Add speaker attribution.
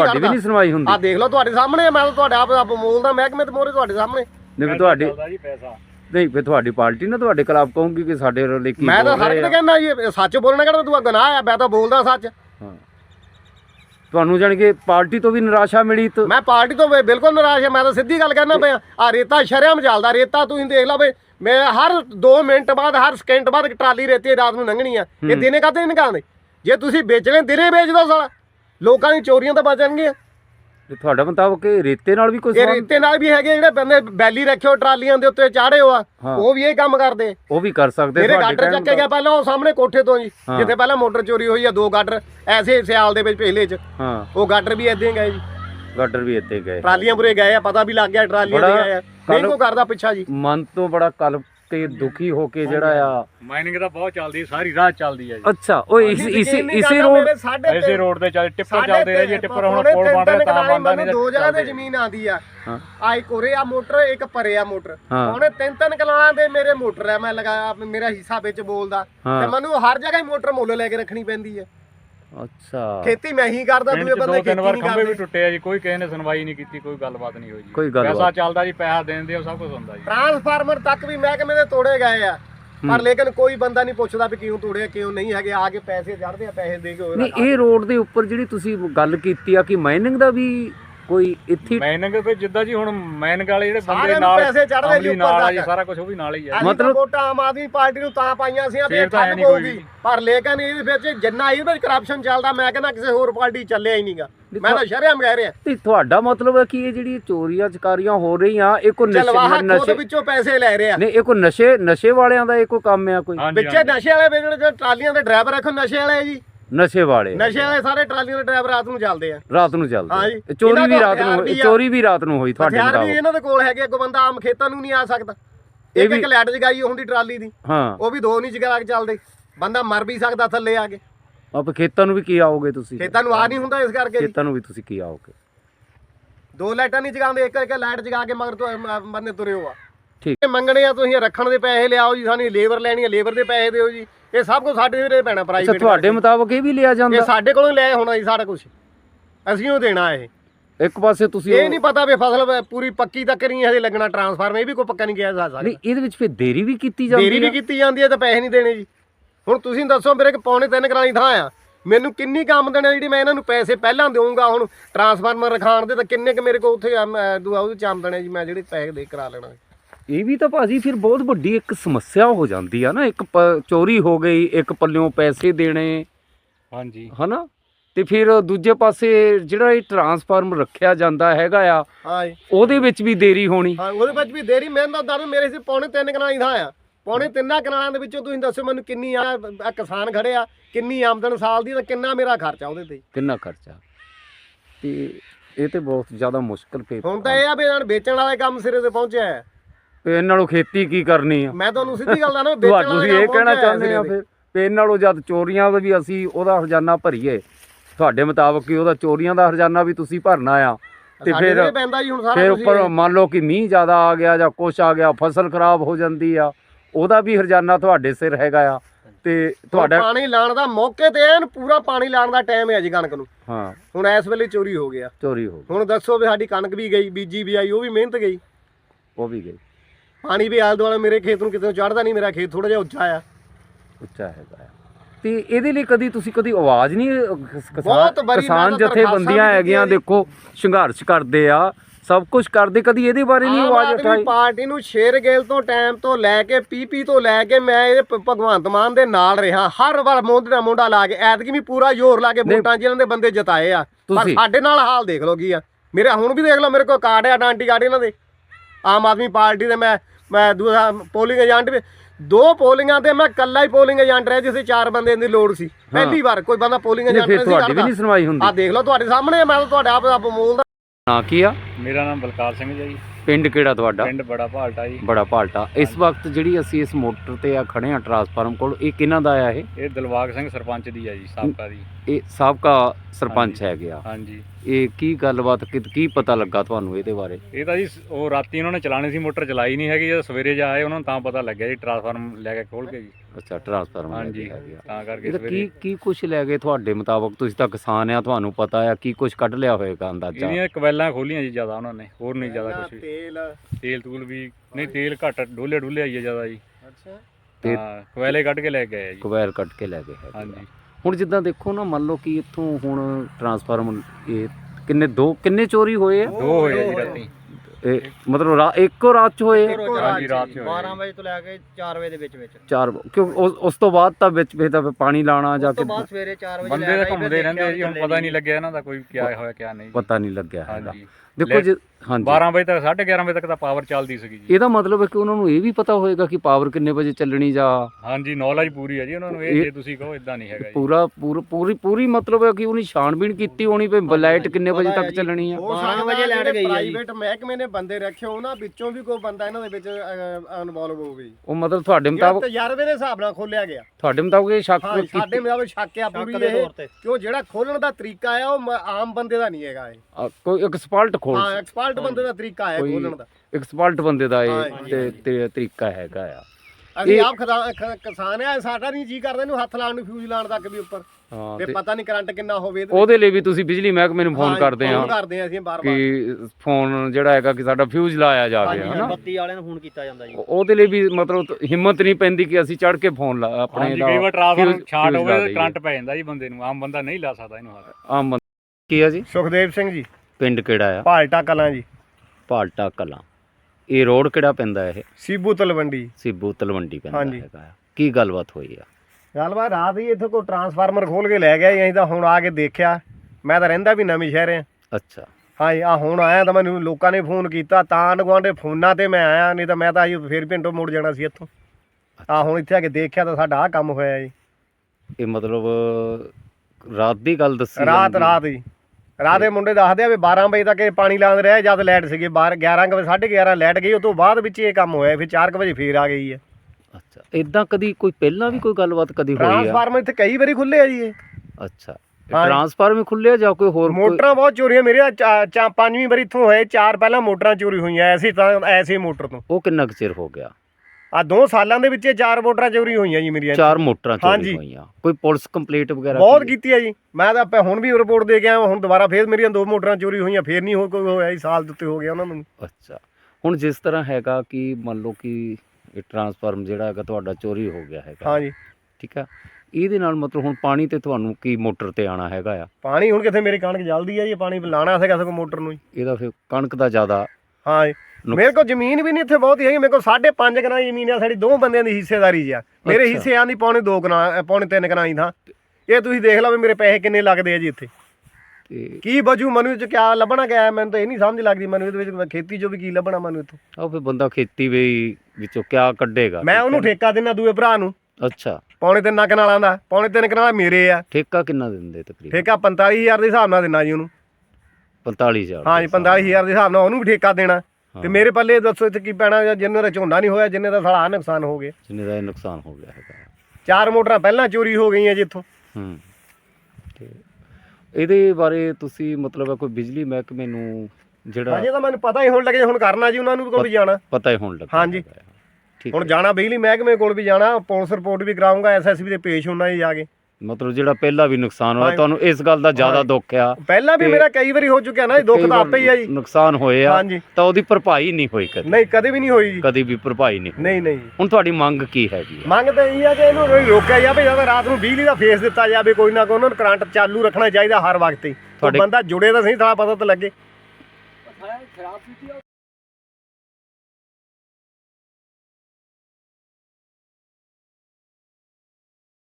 Speaker 1: ਤੁਹਾਡੀ ਵੀ ਨਹੀਂ ਸੁਣਵਾਈ ਹੁੰਦੀ।
Speaker 2: ਆ ਦੇਖ ਲਓ ਤੁਹਾਡੇ ਸਾਹਮਣੇ, ਮੈਂ ਤਾਂ ਤੁਹਾਡੇ ਆਪ ਬੋਲਦਾ ਮਹਿਕਮੇ ਤੇ ਮੋਹਰੇ ਤੁਹਾਡੇ ਸਾਹਮਣੇ।
Speaker 1: ਨਹੀਂ ਤੁਹਾਡੀ ਨਹੀਂ ਫਿਰ ਤੁਹਾਡੀ ਪਾਰਟੀ ਨਾ ਤੁਹਾਡੇ ਖਿਲਾਫ ਕਹੂੰਗੀ ਕਿ ਸਾਡੇ ਲਈ ਕੀ
Speaker 2: ਮੈਂ ਤਾਂ ਹਰ ਇੱਕ ਕਹਿੰਦਾ ਜੀ ਸੱਚ ਬੋਲਣਾ ਕਿਹੜਾ ਤੂੰ ਗੁਨਾਹ ਆ, ਮੈਂ ਤਾਂ ਬੋਲਦਾ ਸੱਚ।
Speaker 1: ਹਾਂ ਤੁਹਾਨੂੰ ਜਾਣੀ ਕਿ ਪਾਰਟੀ ਤੋਂ ਵੀ ਨਿਰਾਸ਼ਾ ਮਿਲੀ? ਤਾਂ
Speaker 2: ਮੈਂ ਪਾਰਟੀ ਤੋਂ ਬਿਲਕੁਲ ਨਿਰਾਸ਼ ਆ, ਮੈਂ ਤਾਂ ਸਿੱਧੀ ਗੱਲ ਕਹਿਣਾ ਪਿਆ। ਆ ਰੇਤਾ ਸ਼ਰੇਆਮ ਚੱਲਦਾ, ਰੇਤਾ ਤੁਸੀਂ ਦੇਖ ਲਓ ਬਈ, ਮੈਂ ਹਰ 2 ਮਿੰਟ ਬਾਅਦ ਹਰ ਸਕਿੰਟ ਬਾਅਦ ਇੱਕ ਟਰਾਲੀ ਰੇਤੀ ਰਾਤ ਨੂੰ ਲੰਘਣੀ ਆ। ਇਹ ਦਿਨੇ ਕਾਹਤੇ ਨਹੀਂ ਨਿਕਾਲਦੇ? ਜੇ ਤੁਸੀਂ ਵੇਚਣੇ ਦਿਨੇ ਵੇਚ ਦੋ ਸਾਲਾ, ਲੋਕਾਂ ਦੀ ਚੋਰੀਆਂ ਤਾਂ ਬਚਣਗੀਆਂ।
Speaker 1: ਤੁਹਾਡਾ ਮੁਤਾਬਕ ਰੇਤੇ ਨਾਲ ਵੀ ਕੋਈ
Speaker 2: ਇਹ ਰੇਤੇ ਨਾਲ ਵੀ ਹੈਗੇ, ਜਿਹੜੇ ਬੰਦੇ ਬੈਲੀ ਰੱਖਿਓ ਟਰਾਲੀਆਂ ਦੇ ਉੱਤੇ ਚਾੜੇ ਹੋ ਆ, ਉਹ ਵੀ ਇਹ ਕੰਮ ਕਰਦੇ।
Speaker 1: ਉਹ ਵੀ ਕਰ ਸਕਦੇ।
Speaker 2: ਮੇਰੇ ਗਾਡਰ ਚੱਕੇ ਗਿਆ ਪਹਿਲਾਂ ਉਹ ਸਾਹਮਣੇ ਕੋਠੇ ਤੋਂ ਜੀ, ਜਿੱਥੇ ਪਹਿਲਾਂ ਮੋਟਰ ਚੋਰੀ ਹੋਈ ਆ 2 ਗਾਡਰ ਐਸੇ ਸਿਆਲ ਦੇ ਵਿੱਚ ਪਿਛਲੇ ਚ। ਉਹ ਗਾਡਰ ਵੀ ਏਦਾਂ ਹੀ ਗਏ ਜੀ,
Speaker 1: ਗਾਡਰ ਵੀ ਏਦਾਂ ਹੀ ਗਏ,
Speaker 2: ਟਰਾਲੀਆਂ ਪੂਰੇ ਗਏ ਆ, ਪਤਾ ਵੀ ਲੱਗ ਗਿਆ ਟਰਾਲੀਆਂ ਦੇ ਗਏ ਆ, ਨਹੀਂ ਕੋ ਕਰਦਾ ਪਿੱਛਾ ਜੀ।
Speaker 1: ਮਨ ਤੋਂ ਬੜਾ ਕਲਪ ਤੇ ਦੁਖੀ ਹੋ ਕੇ ਜਿਹੜਾ ਆ
Speaker 3: ਮਾਈਨਿੰਗ ਤਾਂ ਬਹੁਤ ਚੱਲਦੀ, ਸਾਰੀ ਰਾਤ ਚੱਲਦੀ ਆ ਜੀ।
Speaker 1: ਅੱਛਾ ਉਹ ਇਸੇ
Speaker 3: ਰੋਡ ਤੇ ਚੱਲ ਟਿੱਪਰ ਚੱਲਦੇ ਰਹੇ ਜੀ, ਟਿੱਪਰ ਹੁਣ ਕੋਲ ਬਣ ਰਿਹਾ ਤਾਂ ਬੰਦਾ ਨਹੀਂ।
Speaker 2: 2 ਜਗ੍ਹਾ ਤੇ ਜ਼ਮੀਨ ਆਂਦੀ ਆ, ਆ ਇੱਕ ਉਰੇ ਆ ਮੋਟਰ, ਇੱਕ ਪਰੇ ਆ ਮੋਟਰ। ਉਹਨੇ 3-3 ਕਨਾਲਾਂ ਦੇ ਮੇਰੇ ਮੋਟਰ ਆ, ਮੈਂ ਲਗਾਇਆ ਮੇਰਾ ਹਿੱਸਾ ਵਿੱਚ ਬੋਲਦਾ, ਤੇ ਮੈਨੂੰ ਹਰ ਜਗ੍ਹਾ ਹੀ ਮੋਟਰ ਮੁੱਲ ਲੈ ਕੇ ਰੱਖਣੀ ਪੈਂਦੀ ਆ।
Speaker 1: ਅੱਛਾ
Speaker 2: ਖੇਤੀ ਮੈਂ ਹੀ ਕਰਦਾ, ਦੂਏ ਬੰਦੇ ਖੇਤੀ ਨਹੀਂ ਕਰਦੇ।
Speaker 3: ਖੰਭੇ ਵੀ ਟੁੱਟੇ ਆ ਜੀ, ਕੋਈ ਕਿਸੇ ਨੇ ਸੁਣਵਾਈ ਨਹੀਂ ਕੀਤੀ, ਕੋਈ ਗੱਲਬਾਤ ਨਹੀਂ ਹੋਈ ਜੀ।
Speaker 1: ਕੋਈ ਗੱਲਬਾਤ
Speaker 3: ਪੈਸਾ ਚੱਲਦਾ ਜੀ, ਪੈਸਾ ਦੇਣ ਉਹ ਸਭ ਕੁਝ ਹੁੰਦਾ ਜੀ।
Speaker 2: ਟਰਾਂਸਫਾਰਮਰ ਤੱਕ ਵੀ ਮਹਿਕਮੇ ਦੇ ਤੋੜੇ ਗਏ ਆ, ਪਰ ਲੇਕਿਨ ਕੋਈ ਬੰਦਾ ਨਹੀਂ ਪੁੱਛਦਾ ਵੀ ਕਿਉਂ ਤੋੜਿਆ ਕਿਉਂ ਨਹੀਂ ਹੈਗੇ। ਆ ਕੇ ਪੈਸੇ ਚੜਦੇ ਆ, ਪੈਸੇ ਦੇ ਕੇ।
Speaker 1: ਨਹੀਂ ਇਹ ਰੋਡ ਦੇ ਉੱਪਰ ਜਿਹੜੀ ਤੁਸੀਂ ਗੱਲ ਕੀਤੀ ਆ ਕਿ ਮਾਈਨਿੰਗ ਦਾ ਵੀ ਕੋਈ ਇੱਥੇ
Speaker 3: ਮਾਈਨਿੰਗ ਤੇ ਜਿੱਦਾਂ ਜੀ ਹੁਣ ਮਾਈਨਿੰਗ ਵਾਲੇ ਜਿਹੜੇ ਬੰਦੇ
Speaker 2: ਨਾਲ ਪੈਸੇ ਚੜਦੇ ਜੀ
Speaker 3: ਨਾਲ ਆ ਜੀ, ਸਾਰਾ ਕੁਝ ਉਹ ਵੀ ਨਾਲ ਹੀ ਆ।
Speaker 2: ਮਤਲਬ ਵੋਟਾਂ ਆਮ ਆਦਮੀ ਪਾਰਟੀ ਨੂੰ ਤਾਂ ਪਾਈਆਂ ਸੀ ਵੀ ਠੱਗ ਹੋਊਗੀ, ਪਰ ਲੇਕਿਨ ਇਹਦੇ ਵਿੱਚ ਜਿੰਨਾ ਇਹਦੇ ਵਿੱਚ ਕਰਪਸ਼ਨ ਚੱਲਦਾ, ਮੈਂ ਕਹਿੰਦਾ ਕਿਸੇ ਹੋਰ ਪਾਰਟੀ ਚੱਲਿਆ ਹੀ ਨਹੀਂਗਾ। ਮੈਂ ਤਾਂ ਸ਼ਰੇਆਮ ਕਹਿ ਰਿਹਾ।
Speaker 1: ਤੇ ਤੁਹਾਡਾ ਮਤਲਬ ਹੈ ਕਿ ਇਹ ਜਿਹੜੀ ਚੋਰੀਆਂ ਚਕਾਰੀਆਂ ਹੋ ਰਹੀਆਂ ਇਹ ਕੋਈ
Speaker 2: ਨਸ਼ੇ ਵਿੱਚੋਂ ਪੈਸੇ ਲੈ ਰਹੇ ਆ?
Speaker 1: ਨਹੀਂ ਇਹ ਕੋਈ ਨਸ਼ੇ ਵਾਲਿਆਂ ਦਾ ਇਹ ਕੋਈ ਕੰਮ ਆ? ਕੋਈ
Speaker 2: ਵਿੱਚੇ ਨਸ਼ੇ ਵਾਲੇ ਜਿਹੜੇ ਟਰਾਲੀਆਂ ਦੇ ਡਰਾਈਵਰ ਰੱਖੋ ਨਸ਼ੇ ਵਾਲੇ ਜੀ,
Speaker 1: ਨਸ਼ੇ ਵਾਲੇ
Speaker 2: ਸਾਰੇ ਟਰਾਲੀਆਂ ਦੇ ਡਰਾਈਵਰ ਰਾਤ ਨੂੰ ਚੱਲਦੇ ਆ।
Speaker 1: ਰਾਤ ਨੂੰ ਚੱਲਦੇ, ਚੋਰੀ ਵੀ ਰਾਤ ਨੂੰ ਹੋਈ ਤੁਹਾਡੇ ਨਾਲ?
Speaker 2: ਇਹਨਾਂ ਦੇ ਕੋਲ ਹੈਗੇ, ਕੋਈ ਬੰਦਾ ਆਮ ਖੇਤਾਂ ਨੂੰ ਨਹੀਂ ਆ ਸਕਦਾ। ਇੱਕ ਲਾਈਟ ਜਗਾਈ ਹੁੰਦੀ ਟਰਾਲੀ ਦੀ, ਉਹ ਵੀ 2 ਨਹੀਂ ਜਗਾ ਕੇ ਚੱਲਦੇ, ਬੰਦਾ ਮਰ ਵੀ ਸਕਦਾ ਥੱਲੇ ਆ ਕੇ।
Speaker 1: ਆਪ ਖੇਤਾਂ ਨੂੰ ਵੀ ਕੀ ਆਓਗੇ ਤੁਸੀਂ?
Speaker 2: ਖੇਤਾਂ ਨੂੰ ਆ ਨਹੀਂ ਹੁੰਦਾ, ਇਸ ਕਰਕੇ
Speaker 1: ਖੇਤਾਂ ਨੂੰ ਵੀ ਤੁਸੀਂ ਕੀ ਆਓਗੇ?
Speaker 2: 2 ਲਾਈਟਾਂ ਨਹੀਂ ਜਗਾਉਂਦੇ, ਇੱਕ ਲਾਈਟ ਜਗਾ ਕੇ ਮਗਰ ਤੋਂ ਬੰਦੇ ਤੁਰੇ ਹੋ ਆ।
Speaker 1: ਠੀਕ
Speaker 2: ਮੰਗਣੇ ਆ ਤੁਸੀਂ, ਰੱਖਣ ਦੇ ਪੈਸੇ ਲਿਆਓ ਜੀ, ਸਾਨੂੰ ਲੇਬਰ ਲੈਣੀ ਆ, ਲੇਬਰ ਦੇ ਪੈਸੇ ਦਿਓ ਜੀ। ਇਹ ਸਭ ਕੁਝ ਸਾਡੇ ਵੀਰੇ ਪੈਣਾ ਪ੍ਰਾਈਵੇਟ।
Speaker 1: ਤੁਹਾਡੇ ਮੁਤਾਬਕ ਇਹ ਵੀ ਲਿਆ ਜਾਂਦਾ?
Speaker 2: ਇਹ ਸਾਡੇ ਕੋਲੋਂ ਲੈ ਹੋਣਾ ਜੀ ਸਾਰਾ ਕੁਝ, ਅਸੀਂ ਉਹ ਦੇਣਾ। ਇਹ
Speaker 1: ਇੱਕ ਪਾਸੇ ਤੁਸੀਂ
Speaker 2: ਇਹ ਨਹੀਂ ਪਤਾ ਵੀ ਫਸਲ ਪੂਰੀ ਪੱਕੀ ਤੱਕ ਨਹੀਂ ਹਜੇ ਲੱਗਣਾ ਟਰਾਂਸਫਾਰਮਰ, ਇਹ ਵੀ ਕੋਈ ਪੱਕਾ ਨਹੀਂ ਕਿਹਾ ਜਾ ਸਕਦਾ।
Speaker 1: ਨਹੀਂ ਇਹਦੇ ਵਿੱਚ ਫਿਰ ਦੇਰੀ ਵੀ ਕੀਤੀ ਜਾਂਦੀ ਹੈ?
Speaker 2: ਦੇਰੀ ਵੀ ਕੀਤੀ ਜਾਂਦੀ ਹੈ ਤਾਂ ਪੈਸੇ ਨਹੀਂ ਦੇਣੇ ਜੀ। ਹੁਣ ਤੁਸੀਂ ਦੱਸੋ, ਮੇਰੇ ਕੋਲ 2.25 ਕਨਾਲੀ ਥਾਂ ਆ, ਮੈਨੂੰ ਕਿੰਨੀ ਕੰਮ ਦੇਣਾ ਜਿਹੜੀ ਮੈਂ ਇਹਨਾਂ ਨੂੰ ਪੈਸੇ ਪਹਿਲਾਂ ਦੇਵਾਂਗਾ। ਹੁਣ ਟਰਾਂਸਫਾਰਮਰ ਰਖਾਣ ਦੇ ਤਾਂ ਕਿੰਨੇ ਕੁ ਮੇਰੇ ਕੋਲ ਉੱਥੇ ਉਹਦੇ ਚ ਆਮਦਨ ਹੈ ਜੀ, ਮੈਂ ਜਿਹੜੇ ਪੈਸੇ ਦੇ ਕਰਾ ਲੈਣਾ।
Speaker 1: ਇਹ ਵੀ ਤਾਂ ਭਾਜੀ ਫਿਰ ਬਹੁਤ ਵੱਡੀ ਇੱਕ ਸਮੱਸਿਆ ਹੋ ਜਾਂਦੀ ਆ ਨਾ। ਇੱਕ ਚੋਰੀ ਹੋ ਗਈ, ਇੱਕ ਪੱਲਿਓਂ ਪੈਸੇ ਦੇਣੇ,
Speaker 3: ਹਾਂਜੀ
Speaker 1: ਹਨਾ, ਤੇ ਫਿਰ ਦੂਜੇ ਪਾਸੇ ਜਿਹੜਾ ਇਹ ਟਰਾਂਸਫਾਰਮਰ ਰੱਖਿਆ ਜਾਂਦਾ ਹੈਗਾ ਆ, ਉਹਦੇ ਵਿੱਚ ਵੀ ਦੇਰੀ ਹੋਣੀ।
Speaker 2: ਉਹਦੇ ਵਿੱਚ ਵੀ ਦੇਰੀ। ਮੈਨੂੰ ਤਾਂ ਮੇਰੇ ਸੀ 2.25 ਕਨਾਲੀ ਥਾਂ ਆ, 2.25 ਕਨਾਲਾਂ ਦੇ ਵਿੱਚੋਂ ਤੁਸੀਂ ਦੱਸੋ ਮੈਨੂੰ ਕਿੰਨੀ ਆ ਕਿਸਾਨ ਖੜੇ ਆ, ਕਿੰਨੀ ਆਮਦਨ ਸਾਲ ਦੀ, ਤਾਂ ਕਿੰਨਾ ਮੇਰਾ ਖਰਚਾ ਉਹਦੇ ਤੇ,
Speaker 1: ਕਿੰਨਾ ਖਰਚਾ। ਤੇ ਇਹ ਤੇ ਬਹੁਤ ਜ਼ਿਆਦਾ ਮੁਸ਼ਕਲ ਪੇ।
Speaker 2: ਹੁਣ ਤਾਂ ਇਹ ਆ ਵੀ ਵੇਚਣ ਵਾਲੇ ਕੰਮ ਸਿਰੇ ਤੇ ਪਹੁੰਚਿਆ ਹੈ।
Speaker 1: ਇਹਨਾਂ ਨਾਲੋਂ ਖੇਤੀ ਕੀ ਕਰਨੀ ਆ?
Speaker 2: ਮੈਂ ਤੁਹਾਨੂੰ ਸਿੱਧੀ ਗੱਲ ਦਾ ਨਾ,
Speaker 1: ਤੁਸੀਂ ਇਹ ਕਹਿਣਾ ਚਾਹੁੰਦੇ ਆ ਫਿਰ ਇਹਨਾਂ ਨਾਲੋਂ ਜਦ ਚੋਰੀਆਂ ਦਾ ਵੀ ਅਸੀਂ ਉਹਦਾ ਹਰਜਾਨਾ ਭਰੀਏ, ਤੁਹਾਡੇ ਮੁਤਾਬਕ ਕਿ ਉਹਦਾ ਚੋਰੀਆਂ ਦਾ ਹਰਜਾਨਾ ਵੀ ਤੁਸੀਂ ਭਰਨਾ ਆ, ਤੇ ਫਿਰ ਉੱਪਰ ਮੰਨ ਲਓ ਕਿ ਮੀਂਹ ਜ਼ਿਆਦਾ ਆ ਗਿਆ ਜਾਂ ਕੁਛ ਆ ਗਿਆ, ਫਸਲ ਖਰਾਬ ਹੋ ਜਾਂਦੀ ਆ, ਉਹਦਾ ਵੀ ਹਰਜਾਨਾ ਤੁਹਾਡੇ ਸਿਰ ਹੈਗਾ ਆ। ਤੇ ਤੁਹਾਡਾ
Speaker 2: ਪਾਣੀ ਲਾਉਣ ਦਾ ਮੌਕੇ ਤੇ ਐਨ ਪੂਰਾ ਪਾਣੀ ਲਾਉਣ ਦਾ ਟਾਈਮ ਹੈ ਜੀ ਕਣਕ ਨੂੰ।
Speaker 1: ਹਾਂ
Speaker 2: ਹੁਣ ਇਸ ਵੇਲੇ ਚੋਰੀ ਹੋ ਗਿਆ,
Speaker 1: ਚੋਰੀ ਹੋ ਗਈ।
Speaker 2: ਹੁਣ ਦੱਸੋ ਵੀ ਸਾਡੀ ਕਣਕ ਵੀ ਗਈ, ਬੀਜੀ ਵੀ ਆਈ, ਉਹ ਵੀ ਮਿਹਨਤ ਗਈ,
Speaker 1: ਉਹ ਵੀ ਗਈ।
Speaker 2: ਪਾਣੀ ਵੀ ਆਲੇ ਦੁਆਲੇ ਮੇਰੇ ਖੇਤ ਨੂੰ ਕਿਤੇ ਚੜ੍ਹਦਾ ਨਹੀਂ, ਮੇਰਾ ਖੇਤ ਥੋੜਾ ਜਿਹਾ ਉੱਚਾ ਆ।
Speaker 1: ਉੱਚਾ ਹੈਗਾ। ਤੇ ਇਹਦੇ ਲਈ ਤੁਸੀਂ ਕਦੀ ਆਵਾਜ਼ ਨਹੀਂ? ਕਿਸਾਨ ਜਥੇਬੰਦੀਆਂ ਹੈਗੀਆਂ, ਦੇਖੋ ਸੰਘਰਸ਼ ਕਰਦੇ ਆ, ਸਭ ਕੁਝ ਕਰਦੇ, ਕਦੀ ਇਹਦੇ ਬਾਰੇ ਨਹੀਂ ਆਵਾਜ਼ ਉਠਾਈ?
Speaker 2: ਪਾਰਟੀ ਨੂੰ ਸ਼ੇਰਗਿੱਲ ਤੋਂ ਟਾਈਮ ਤੋਂ ਲੈ ਕੇ ਪੀਪੀ ਤੋਂ ਲੈ ਕੇ ਮੈਂ ਇਹ ਭਗਵੰਤ ਮਾਨ ਦੇ ਨਾਲ ਰਿਹਾ, ਹਰ ਵਾਰ ਮੋਢੇ ਦਾ ਮੋਢਾ ਲਾ ਕੇ। ਐਤਕੀ ਵੀ ਪੂਰਾ ਜ਼ੋਰ ਲਾ ਕੇ ਵੋਟਾਂ ਜਿਹਨਾਂ ਦੇ ਬੰਦੇ ਜਿਤਾਏ ਆ, ਪਰ ਸਾਡੇ ਨਾਲ ਹਾਲ ਦੇਖ ਲਓ ਕੀ ਆ। ਮੇਰਾ ਹੁਣ ਵੀ ਦੇਖ ਲਓ, ਮੇਰੇ ਕੋਲ ਕਾਰਡ ਆ, ਆਇਡੈਂਟੀ ਕਾਰਡ ਇਹਨਾਂ ਦੇ, ਆਮ ਆਦਮੀ ਪਾਰਟੀ ਦੇ। ਮੈਂ ਦੂਜਾ ਪੋਲਿੰਗ ਏਜੰਟ ਵੀ 2 ਪੋਲਿੰਗਾਂ ਤੇ ਮੈਂ ਇਕੱਲਾ ਹੀ ਪੋਲਿੰਗ ਏਜੰਟ ਰਿਹਾ, ਜਿੱਥੇ 4 ਬੰਦੇ ਦੀ ਲੋੜ ਸੀ। ਪਹਿਲੀ ਵਾਰ ਕੋਈ ਬੰਦਾ ਪੋਲਿੰਗ ਏਜੰਟ ਨਹੀਂ ਸੀ ਕਰਦਾ।
Speaker 1: ਤੁਹਾਡੀ ਵੀ ਨਹੀਂ ਸੁਣਵਾਈ ਹੁੰਦੀ?
Speaker 2: ਆ ਦੇਖ ਲਓ ਤੁਹਾਡੇ ਸਾਹਮਣੇ, ਮੈਂ ਤਾਂ ਤੁਹਾਡੇ ਆਪ ਬੋਲਦਾ।
Speaker 1: ਨਾਂ ਕੀ ਆ?
Speaker 3: ਮੇਰਾ ਨਾਮ ਬਲਕਾਰ ਸਿੰਘ ਜੀ।
Speaker 1: ਪਿੰਡ ਕਿਹੜਾ ਤੁਹਾਡਾ?
Speaker 3: ਪਿੰਡ ਬੜਾ ਭਾਲਟਾ ਜੀ।
Speaker 1: ਬੜਾ ਭਾਲਟਾ। ਇਸ ਵਕਤ ਜਿਹੜੀ ਅਸੀਂ ਇਸ ਮੋਟਰ ਤੇ ਆ ਖੜੇ ਆ ਟਰਾਂਸਫਾਰਮ ਕੋਲ, ਇਹ ਕਿਹਨਾਂ ਦਾ ਆ? ਇਹ
Speaker 3: ਦਿਲਬਾਗ ਸਿੰਘ ਸਰਪੰਚ ਦੀ ਆ ਜੀ, ਸਾਬਕਾ ਦੀ।
Speaker 1: ਇਹ ਸਾਬਕਾ ਸਰਪੰਚ ਹੈਗੇ ਆ?
Speaker 3: ਹਾਂਜੀ।
Speaker 1: ਇਹ ਕੀ ਗੱਲਬਾਤ ਕੀ ਪਤਾ ਲੱਗਾ ਤੁਹਾਨੂੰ ਇਹਦੇ ਬਾਰੇ?
Speaker 3: ਇਹ ਤਾਂ ਜੀ ਉਹ ਰਾਤੀ ਉਹਨਾਂ ਨੇ ਚਲਾਣੀ ਸੀ, ਮੋਟਰ ਚਲਾਈ ਨਹੀਂ ਹੈਗੀ, ਜਦੋਂ ਸਵੇਰੇ ਜਾ ਆਏ ਉਹਨਾਂ ਨੂੰ ਤਾਂ ਪਤਾ ਲੱਗਿਆ ਜੀ, ਟਰਾਂਸਫਾਰਮਰ ਲੈ ਕੇ ਖੋਲ ਕੇ ਜੀ।
Speaker 1: ਅੱਛਾ, ਟਰਾਂਸਫਾਰਮਰ
Speaker 3: ਹਾਂਜੀ, ਤਾਂ ਕਰਕੇ
Speaker 1: ਇਹਦਾ
Speaker 3: ਸਵੇਰੇ
Speaker 1: ਕੀ ਕੁਛ ਲੈ ਗਏ ਤੁਹਾਡੇ ਮੁਤਾਬਕ? ਤੁਸੀਂ ਤਾਂ ਕਿਸਾਨ ਆ, ਤੁਹਾਨੂੰ ਪਤਾ ਆ ਕੀ ਕੁਛ ਕੱਢ ਲਿਆ ਹੋਏਗਾ ਅੰਦਾਜ਼ਾ?
Speaker 3: ਇਹਦੀਆਂ ਕਵੈਲਾਂ ਖੋਲੀਆਂ ਜੀ ਜ਼ਿਆਦਾ ਉਹਨਾਂ ਨੇ, ਹੋਰ ਨਹੀਂ ਜ਼ਿਆਦਾ ਕੁਝ ਵੀ।
Speaker 2: ਤੇਲ
Speaker 3: ਤੂਲ ਵੀ ਨਹੀਂ, ਤੇਲ ਘੱਟ ਡੋਲੇ ਆਈ ਹੈ ਜ਼ਿਆਦਾ ਜੀ।
Speaker 2: ਅੱਛਾ,
Speaker 3: ਤੇ ਕਵੈਲੇ ਕੱਢ ਕੇ ਲੈ ਗਏ ਆ ਜੀ।
Speaker 1: ਕਵੈਲ ਕੱਢ ਕੇ ਲੈ ਗਏ ਹੈਗੇ ਆ।
Speaker 3: ਹਾਂਜੀ,
Speaker 1: ਹੁਣ ਜਿੱਦਾਂ ਦੇਖੋ ਨਾ, ਮੰਨ ਲਓ ਕਿ ਇੱਥੋਂ ਹੁਣ ਟਰਾਂਸਫਾਰਮਰ ਇਹ ਕਿੰਨੇ ਚੋਰੀ ਹੋਏ ਆ?
Speaker 3: 2 ਹੋਏ ਆ ਜੀ ਰਾਤੀ।
Speaker 1: ਇਹ ਮਤਲਬ ਇੱਕੋ ਰਾਤ ਚ ਹੋਏ?
Speaker 3: ਹਾਂਜੀ, ਰਾਤ ਚ ਹੋਏ
Speaker 4: 12 ਵਜੇ ਤੋਂ ਲੈ ਕੇ 4 ਵਜੇ ਦੇ ਵਿੱਚ
Speaker 1: 4 ਕਿਉਂ ਉਸ ਤੋਂ ਬਾਅਦ ਤਾਂ ਵਿੱਚ ਤਾਂ ਪਾਣੀ ਲਾਣਾ ਜਾਂ
Speaker 4: ਉਸ ਤੋਂ ਬਾਅਦ ਸਵੇਰੇ 4 ਵਜੇ
Speaker 3: ਬੰਦੇ ਤਾਂ ਘੁੰਮਦੇ ਰਹਿੰਦੇ ਆ ਜੀ, ਹੁਣ ਪਤਾ ਹੀ ਨਹੀਂ ਲੱਗਿਆ ਇਹਨਾਂ ਦਾ ਕੋਈ ਕਿਆ ਹੋਇਆ ਕਿਆ ਨਹੀਂ ਜੀ।
Speaker 1: ਪਤਾ ਨਹੀਂ ਲੱਗਿਆ ਹੈਗਾ।
Speaker 3: ਹਾਂਜੀ,
Speaker 1: ਦੇਖੋ ਜੀ, ਹਾਂਜੀ
Speaker 3: 12 ਵਜੇ ਤੱਕ 11:30 ਵਜੇ ਤੱਕ ਤਾਂ ਪਾਵਰ ਚੱਲਦੀ ਸੀਗੀ ਜੀ।
Speaker 1: ਇਹਦਾ ਮਤਲਬ ਹੈ ਕਿ ਉਹਨਾਂ ਨੂੰ ਇਹ ਵੀ ਪਤਾ ਹੋਏਗਾ ਕਿ ਪਾਵਰ ਕਿੰਨੇ ਵਜੇ ਚੱਲਣੀ ਜਾਂ
Speaker 3: ਹਾਂਜੀ, ਨੌਲੇਜ ਪੂਰੀ ਹੈ ਜੀ ਉਹਨਾਂ ਨੂੰ। ਇਹ ਜੇ ਤੁਸੀਂ ਕਹੋ ਇਦਾਂ ਨਹੀਂ ਹੈਗਾ ਜੀ।
Speaker 1: ਪੂਰੀ ਮਤਲਬ ਹੈ ਕਿ ਉਹਨੇ ਛਾਣਬੀਣ ਕੀਤੀ ਹੋਣੀ ਵੀ ਲਾਈਟ ਕਿੰਨੇ ਵਜੇ ਤੱਕ ਚੱਲਣੀ ਆ।
Speaker 2: 12 ਵਜੇ ਲੈਟ ਗਈ ਪ੍ਰਾਈਵੇਟ ਮਹਿਕਮੇ ਨੇ ਬੰਦੇ ਰੱਖੇ ਉਹਨਾਂ ਵਿੱਚੋਂ ਵੀ ਕੋਈ ਬੰਦਾ ਇਹਨਾਂ ਦੇ ਵਿੱਚ ਇਨਵੋਲਵ ਹੋਵੇ।
Speaker 1: ਉਹ ਮਤਲਬ ਤੁਹਾਡੇ ਮੁਤਾਬਕ
Speaker 2: ਤਜਰਬੇ ਦੇ ਹਿਸਾਬ ਨਾਲ ਖੋਲਿਆ ਗਿਆ।
Speaker 1: ਤੁਹਾਡੇ ਮੁਤਾਬਕ ਇਹ ਸ਼ੱਕ
Speaker 2: ਸਾਡੇ ਮੁਤਾਬਕ ਸ਼ੱਕ ਆ ਪੂਰੀ ਇਹ, ਕਿਉਂ ਜਿਹੜਾ ਖੋਲਣ ਦਾ ਤਰੀਕਾ ਆ ਉਹ ਆਮ ਬੰਦੇ ਦਾ ਨਹੀਂ ਹੈਗਾ ਇਹ।
Speaker 1: ਕੋਈ ਐਕਸਪਰਟ ਖੋਲ
Speaker 2: ਹਾਂ, ਐਕਸਪਰਟ ਬੰਦੇ ਦਾ ਤਰੀਕਾ ਹੈ ਖੋਲਣ ਦਾ।
Speaker 1: ਐਕਸਪਰਟ ਬੰਦੇ ਦਾ ਇਹ ਤੇ ਤਰੀਕਾ ਹੈਗਾ ਆ।
Speaker 2: ਅਸੀਂ ਆਪ ਕਿਸਾਨ ਆ, ਸਾਡਾ ਨਹੀਂ ਜੀ ਕਰਦਾ ਇਹਨੂੰ ਹੱਥ ਲਾਉਣ ਨੂੰ, ਫਿਊਜ਼ ਲਾਉਣ ਤੱਕ ਵੀ ਉੱਪਰ
Speaker 1: ਹਾਂ,
Speaker 2: ਤੇ ਪਤਾ ਨਹੀਂ ਕਰੰਟ ਕਿੰਨਾ ਹੋਵੇ।
Speaker 1: ਉਹਦੇ ਲਈ ਵੀ ਤੁਸੀਂ ਬਿਜਲੀ ਮਹਿਕਮੇ ਨੂੰ ਫੋਨ ਕਰਦੇ ਆ
Speaker 2: ਅਸੀਂ ਬਾਰ-ਬਾਰ
Speaker 1: ਕਿ ਫੋਨ ਜਿਹੜਾ ਹੈਗਾ ਕਿ ਸਾਡਾ ਫਿਊਜ਼ ਲਾਇਆ ਜਾਵੇ, ਹਨਾ?
Speaker 4: ਬੱਤੀ ਵਾਲਿਆਂ ਨੂੰ ਫੋਨ ਕੀਤਾ ਜਾਂਦਾ ਜੀ।
Speaker 1: ਉਹਦੇ ਲਈ ਵੀ ਮਤਲਬ ਹਿੰਮਤ ਨਹੀਂ ਪੈਂਦੀ ਕਿ ਅਸੀਂ ਚੜ ਕੇ ਫੋਨ ਆਪਣੇ
Speaker 3: ਹਾਂਜੀ, ਕਈ ਵਾਰ ਟਰਾਂਸਫਾਰਮਰ ਛਾਟ ਹੋਵੇ ਕਰੰਟ ਪੈ ਜਾਂਦਾ ਜੀ ਬੰਦੇ ਨੂੰ, ਆਮ ਬੰਦਾ ਨਹੀਂ ਲਾ ਸਕਦਾ ਇਹਨੂੰ ਹੱਥ।
Speaker 1: ਆਮ ਬੰਦਾ ਕੀ ਆ ਜੀ?
Speaker 2: ਸੁਖਦੇਵ ਸਿੰਘ ਜੀ,
Speaker 1: ਪਿੰਡ ਕਿਹੜਾ ਆ?
Speaker 2: ਭਾਲਟਾ ਕਲਾਂ ਜੀ।
Speaker 1: ਭਾਲਟਾ ਕਲਾਂ। ਇਹ ਰੋਡ ਕਿਹੜਾ ਪੈਂਦਾ? ਇਹ
Speaker 2: ਸੀਬੂ ਤਲਵੰਡੀ।
Speaker 1: ਸਿੱਬੂ ਤਲਵੰਡੀ ਪੈਂਦਾ ਹੈਗਾ ਆ। ਕੀ ਗੱਲਬਾਤ ਹੋਈ ਆ?
Speaker 2: ਗੱਲਬਾਤ ਰਾਤ ਹੀ ਇੱਥੇ ਕੋਈ ਟਰਾਂਸਫਾਰਮਰ ਖੋਲ ਕੇ ਲੈ ਗਿਆ ਜੀ। ਅਸੀਂ ਤਾਂ ਹੁਣ ਆ ਕੇ ਦੇਖਿਆ, ਮੈਂ ਤਾਂ ਰਹਿੰਦਾ ਵੀ ਨਵੇਂ ਸ਼ਹਿਰ ਆ।
Speaker 1: ਅੱਛਾ,
Speaker 2: ਹਾਂਜੀ, ਆ ਹੁਣ ਆਇਆ ਤਾਂ ਮੈਨੂੰ ਲੋਕਾਂ ਨੇ ਫੋਨ ਕੀਤਾ, ਤਾਂ ਆਂਢ-ਗੁਆਂਢ ਫੋਨਾਂ ਤੇ ਮੈਂ ਆਇਆ, ਨਹੀਂ ਤਾਂ ਮੈਂ ਤਾਂ ਫੇਰ ਪਿੰਡੋਂ ਮੁੜ ਜਾਣਾ ਸੀ ਇੱਥੋਂ। ਆ ਹੁਣ ਇੱਥੇ ਆ ਕੇ ਦੇਖਿਆ ਤਾਂ ਸਾਡਾ ਆਹ ਕੰਮ ਹੋਇਆ ਜੀ।
Speaker 1: ਇਹ ਮਤਲਬ ਰਾਤ ਦੀ ਗੱਲ ਦੱਸੀ?
Speaker 2: ਰਾਤ ਜੀ, ਰਾਤ ਦੇ ਮੁੰਡੇ ਦੱਸਦੇ ਆ ਵੀ 12 ਵਜੇ ਤੱਕ ਇਹ ਪਾਣੀ ਲਾਉਂਦੇ ਰਹੇ, ਜਦ ਲਾਈਟ ਸੀਗੀ 11 ਵਜੇ 11:30 ਲਾਈਟ ਗਈ, ਉਸ ਤੋਂ ਬਾਅਦ ਵਿੱਚ ਇਹ ਕੰਮ ਹੋਇਆ, ਫਿਰ 4 ਵਜੇ ਫੇਰ ਆ ਗਈ ਹੈ।
Speaker 1: ਅੱਛਾ, ਇਦਾਂ ਕਦੀ ਕੋਈ ਪਹਿਲਾਂ ਵੀ ਕੋਈ ਗੱਲਬਾਤ ਕਦੀ ਹੋਈ ਆ?
Speaker 2: ਟਰਾਂਸਫਾਰਮਰ ਇੱਥੇ ਕਈ ਵਾਰੀ ਖੁੱਲੇ ਆ ਜੀ ਇਹ।
Speaker 1: ਅੱਛਾ, ਟਰਾਂਸਫਾਰਮਰ ਖੁੱਲਿਆ ਜਾਂ ਕੋਈ ਹੋਰ?
Speaker 2: ਮੋਟਰਾਂ ਬਹੁਤ ਚੋਰੀਆਂ ਮੇਰੀਆਂ 5ਵੀਂ ਵਾਰੀ ਇੱਥੋਂ ਹੋਏ, 4 ਪਹਿਲਾਂ ਮੋਟਰਾਂ ਚੋਰੀ ਹੋਈਆਂ ਐਸੀ ਮੋਟਰ ਤੋਂ।
Speaker 1: ਉਹ ਕਿੰਨਾ ਕੁ ਚਿਰ ਹੋ ਗਿਆ?
Speaker 2: ਆ 2 ਸਾਲਾਂ ਦੇ ਵਿੱਚ 4 ਮੋਟਰਾਂ ਚੋਰੀ ਹੋਈਆਂ ਜੀ ਮੇਰੀਆਂ।
Speaker 1: 4 ਮੋਟਰਾਂ ਚੋਰੀ ਹੋਈਆਂ। ਕੋਈ ਪੁਲਿਸ ਕੰਪਲੀਟ ਵਗੈਰਾ?
Speaker 2: ਬਹੁਤ ਕੀਤੀ ਹੈ ਜੀ, ਮੈਂ ਤਾਂ ਹੁਣ ਵੀ ਰਿਪੋਰਟ ਦੇ ਕੇ ਆਇਆ। ਹੁਣ ਦੁਬਾਰਾ ਫੇਰ ਮੇਰੀਆਂ 2 ਮੋਟਰਾਂ ਚੋਰੀ ਹੋਈਆਂ, ਫੇਰ ਨਹੀਂ ਕੋਈ ਹੋਇਆ ਜੀ, ਸਾਲ ਦੇ ਉੱਤੇ ਹੋ ਗਿਆ ਉਹਨਾਂ ਨੂੰ।
Speaker 1: ਅੱਛਾ, ਹੁਣ ਜਿਸ ਤਰ੍ਹਾਂ ਹੈਗਾ ਕਿ ਮੰਨ ਲਓ ਕਿ ਇਹ ਟਰਾਂਸਫਾਰਮ ਜਿਹੜਾ ਹੈਗਾ ਤੁਹਾਡਾ ਚੋਰੀ ਹੋ ਗਿਆ ਹੈਗਾ,
Speaker 2: ਹਾਂਜੀ,
Speaker 1: ਠੀਕ ਆ, ਇਹਦੇ ਨਾਲ ਮਤਲਬ ਹੁਣ ਪਾਣੀ ਤੇ ਤੁਹਾਨੂੰ ਕੀ ਮੋਟਰ ਤੇ ਆਣਾ ਹੈਗਾ ਆ?
Speaker 2: ਪਾਣੀ ਹੁਣ ਕਿੱਥੇ, ਮੇਰੀ ਕਣਕ ਜਲਦੀ ਹੈ ਜੀ, ਪਾਣੀ ਲਾਣਾ ਸੀਗਾ ਸਗੋਂ ਮੋਟਰ ਨੂੰ ਜੀ।
Speaker 1: ਇਹਦਾ ਫਿਰ ਕਣਕ ਦਾ ਜ਼ਿਆਦਾ?
Speaker 2: ਹਾਂ ਜੀ, ਮੇਰੇ ਕੋਲ ਜ਼ਮੀਨ ਵੀ ਨਹੀਂ ਇੱਥੇ ਬਹੁਤੀ ਹੈਗੀ, ਮੇਰੇ ਕੋਲ 5.5 ਕਨਾਲ ਜ਼ਮੀਨ ਆ, ਸਾਡੀ 2 ਬੰਦਿਆਂ ਦੀ ਹਿੱਸੇਦਾਰੀ ਆ। ਮੇਰੇ ਹਿੱਸੇ ਆਂਦੀ ਪੌਣੇ 3 ਕਨਾਲ ਥਾਂ। ਇਹ ਤੁਸੀਂ ਦੇਖ ਲਓ ਵੀ ਮੇਰੇ ਪੈਸੇ ਕਿੰਨੇ ਲੱਗਦੇ ਆ ਜੀ ਇੱਥੇ।
Speaker 1: ਤੇ
Speaker 2: ਕੀ ਬਜੂ ਮੈਨੂੰ ਚ ਕਿਆ ਲੱਭਣਾ ਗਿਆ, ਮੈਨੂੰ ਤਾਂ ਇਹ ਨਹੀਂ ਸਮਝ ਲੱਗਦੀ। ਮੈਨੂੰ ਇਹਦੇ ਵਿੱਚ ਖੇਤੀ ਚੋਂ ਵੀ ਕੀ ਲੱਭਣਾ ਮੈਨੂੰ ਇੱਥੋਂ।
Speaker 1: ਆਹ ਫਿਰ ਬੰਦਾ ਖੇਤੀ ਵੀ ਵਿੱਚੋਂ ਕਿਆ ਕੱਢੇਗਾ?
Speaker 2: ਮੈਂ ਉਹਨੂੰ ਠੇਕਾ ਦਿੰਦਾ ਦੂਏ ਭਰਾ ਨੂੰ।
Speaker 1: ਅੱਛਾ,
Speaker 2: ਪੌਣੇ 3 ਕਨਾਲਾਂ ਦਾ, ਪੌਣੇ 3 ਕਨਾਲ ਮੇਰੇ ਆ।
Speaker 1: ਠੇਕਾ ਕਿੰਨਾ ਦਿੰਦੇ ਤਕਰੀਬਨ?
Speaker 2: ਠੇਕਾ 45,000 ਦੇ ਹਿਸਾਬ ਨਾਲ ਦਿੰਦਾ ਜੀ ਉਹਨੂੰ।
Speaker 1: 45,000?
Speaker 2: ਹਾਂ ਜੀ, 45,000 ਦੇ ਹਿਸਾਬ ਨਾਲ ਉਹਨੂੰ ਵੀ ਠੇਕਾ ਦੇਣਾ। ਤੇ ਮੇਰੇ ਪੱਲੇ ਦੱਸੋ ਇੱਥੇ ਕੀ ਪੈਣਾ, ਜਿੰਨੇ ਦਾ ਝੋਨਾ ਨਹੀਂ ਹੋਇਆ, ਜਿੰਨੇ ਦਾ ਸਾਲਾ ਨੁਕਸਾਨ ਹੋ ਗਿਆ,
Speaker 1: ਜਿੰਨੇ ਦਾ ਇਹ ਨੁਕਸਾਨ ਹੋ ਗਿਆ ਹੈਗਾ।
Speaker 2: 4 ਮੋਟਰਾਂ ਪਹਿਲਾਂ ਚੋਰੀ ਹੋ ਗਈਆਂ ਜੀ ਇੱਥੋਂ।
Speaker 1: ਤੇ ਇਹਦੇ ਬਾਰੇ ਤੁਸੀਂ ਮਤਲਬ ਕੋਈ ਬਿਜਲੀ ਮਹਿਕਮੇ ਨੂੰ ਜਿਹੜਾ
Speaker 2: ਅਜੇ ਤਾਂ ਮੈਨੂੰ ਪਤਾ ਹੀ ਹੁਣ ਲੱਗੇ, ਹੁਣ ਕਰਨਾ ਜੀ ਉਹਨਾਂ ਨੂੰ ਕੋਲ ਵੀ ਜਾਣਾ।
Speaker 1: ਪਤਾ ਹੀ ਹੁਣ ਲੱਗਾ?
Speaker 2: ਹਾਂਜੀ,
Speaker 1: ਠੀਕ।
Speaker 2: ਹੁਣ ਜਾਣਾ ਬਿਜਲੀ ਮਹਿਕਮੇ ਕੋਲ ਵੀ ਜਾਣਾ, ਪੁਲਿਸ ਰਿਪੋਰਟ ਵੀ ਕਰਾਉਂਗਾ, ਐਸਐਸਬੀ ਦੇ ਪੇਸ਼ ਹੋਣਾ ਜੀ ਜਾ ਕੇ।
Speaker 1: ਮਤਲਬ ਜਿਹੜਾ ਪਹਿਲਾਂ ਵੀ ਨੁਕਸਾਨ ਹੋਇਆ, ਤੁਹਾਨੂੰ ਇਸ ਗੱਲ ਦਾ ਜ਼ਿਆਦਾ ਦੁੱਖ ਆ?
Speaker 2: ਪਹਿਲਾਂ ਵੀ ਮੇਰਾ ਕਈ ਵਾਰੀ ਹੋ ਚੁੱਕਿਆ ਨਾ ਜੀ, ਦੁੱਖ ਤਾਂ ਆਪੇ ਹੀ ਆ ਜੀ।
Speaker 1: ਨੁਕਸਾਨ ਹੋਏ ਆ
Speaker 2: ਹਾਂਜੀ,
Speaker 1: ਤਾਂ ਉਹਦੀ ਭਰਪਾਈ ਨਹੀਂ ਹੋਈ ਕਦੇ?
Speaker 2: ਨਹੀਂ, ਕਦੇ ਵੀ ਨਹੀਂ ਹੋਈ ਜੀ,
Speaker 1: ਕਦੀ ਵੀ ਭਰਪਾਈ ਨਹੀਂ ਹੋਈ।
Speaker 2: ਨਹੀਂ।
Speaker 1: ਹੁਣ ਤੁਹਾਡੀ ਮੰਗ ਕੀ ਹੈਗੀ ਆ?
Speaker 2: ਮੰਗ ਤਾਂ ਇਹ ਆ ਕਿ ਇਹਨੂੰ ਰੋਕਿਆ ਜਾਵੇ, ਜਾਂ ਤਾਂ ਰਾਤ ਨੂੰ ਬਿਜਲੀ ਦਾ ਫੇਸ ਦਿੱਤਾ ਜਾਵੇ, ਕੋਈ ਨਾ ਕੋਈ ਉਹਨਾਂ ਨੂੰ ਕਰੰਟ ਚਾਲੂ ਰੱਖਣਾ ਚਾਹੀਦਾ ਹਰ ਵਕਤ ਹੀ। ਬੰਦਾ ਜੁੜੇ ਤਾਂ ਸਹੀ, ਥੋੜਾ ਪਤਾ ਤਾਂ ਲੱਗੇ।